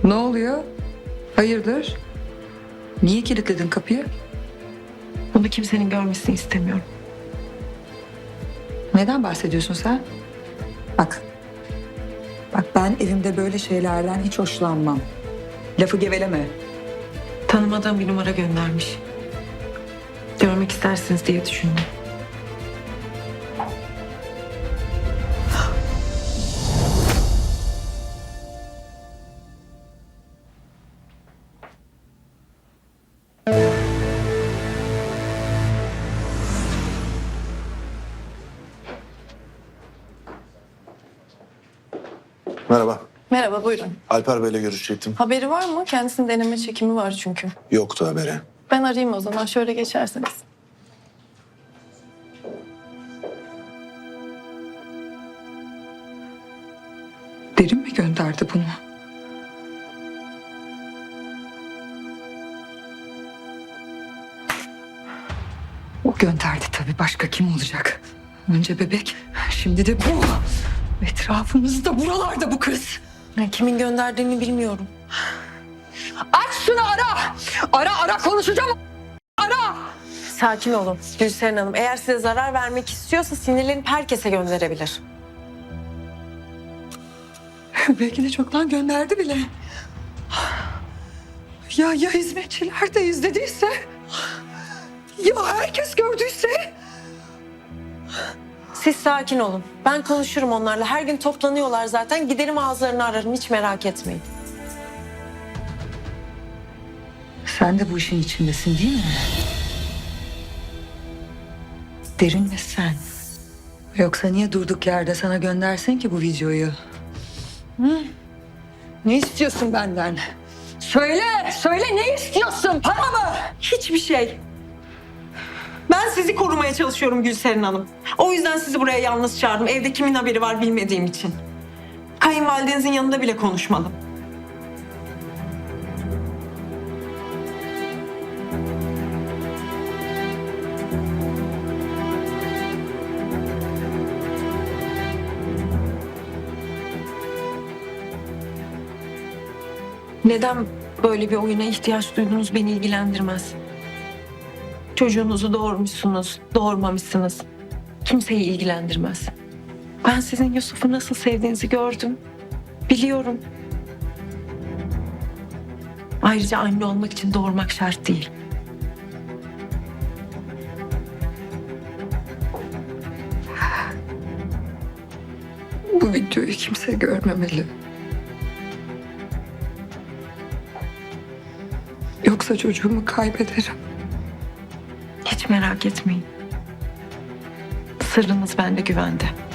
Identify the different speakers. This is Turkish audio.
Speaker 1: Ne oluyor? Hayırdır? Niye kilitledin kapıyı?
Speaker 2: Bunu kimsenin görmesini istemiyorum.
Speaker 1: Neden bahsediyorsun sen? Bak. Bak ben evimde böyle şeylerden hiç hoşlanmam. Lafı geveleme.
Speaker 2: Tanımadığım bir numara göndermiş. Görmek istersiniz diye düşündüm.
Speaker 3: Merhaba.
Speaker 4: Merhaba, buyurun.
Speaker 3: Alper Bey'le görüşecektim.
Speaker 4: Haberi var mı? Kendisinin deneme çekimi var çünkü.
Speaker 3: Yoktu haberi.
Speaker 4: Ben arayayım o zaman, şöyle geçerseniz.
Speaker 1: Derin mi gönderdi bunu? O gönderdi tabii. Başka kim olacak? Önce bebek, şimdi de bu. Etrafımızda, buralarda bu kız.
Speaker 2: Kimin gönderdiğini bilmiyorum.
Speaker 1: Aç şunu ara! Ara konuşacağım. Ara!
Speaker 2: Sakin olun Gülseren Hanım. Eğer size zarar vermek istiyorsa sinirlenip herkese gönderebilir.
Speaker 1: Belki de çoktan gönderdi bile. Ya hizmetçiler de izlediyse? Ya herkes gördüyse?
Speaker 2: Siz sakin olun. Ben konuşurum onlarla. Her gün toplanıyorlar zaten. Giderim ağızlarını ararım. Hiç merak etmeyin.
Speaker 1: Sen de bu işin içindesin değil mi? Derin ve sen. Yoksa niye durduk yerde sana göndersin ki bu videoyu? Hı? Ne istiyorsun benden? Söyle ne istiyorsun? Para mı?
Speaker 2: Hiçbir şey. Ben sizi korumaya çalışıyorum Gülseren Hanım. O yüzden sizi buraya yalnız çağırdım. Evde kimin haberi var bilmediğim için. Kayınvalidenizin yanında bile konuşmadım. Neden böyle bir oyuna ihtiyaç duydunuz beni ilgilendirmez. Çocuğunuzu doğurmuşsunuz, doğurmamışsınız. Kimseyi ilgilendirmez. Ben sizin Yusuf'u nasıl sevdiğinizi gördüm. Biliyorum. Ayrıca anne olmak için doğurmak şart değil.
Speaker 1: Bu videoyu kimse görmemeli. Yoksa çocuğumu kaybederim.
Speaker 2: Hiç merak etmeyin. Sırrınız bende güvende.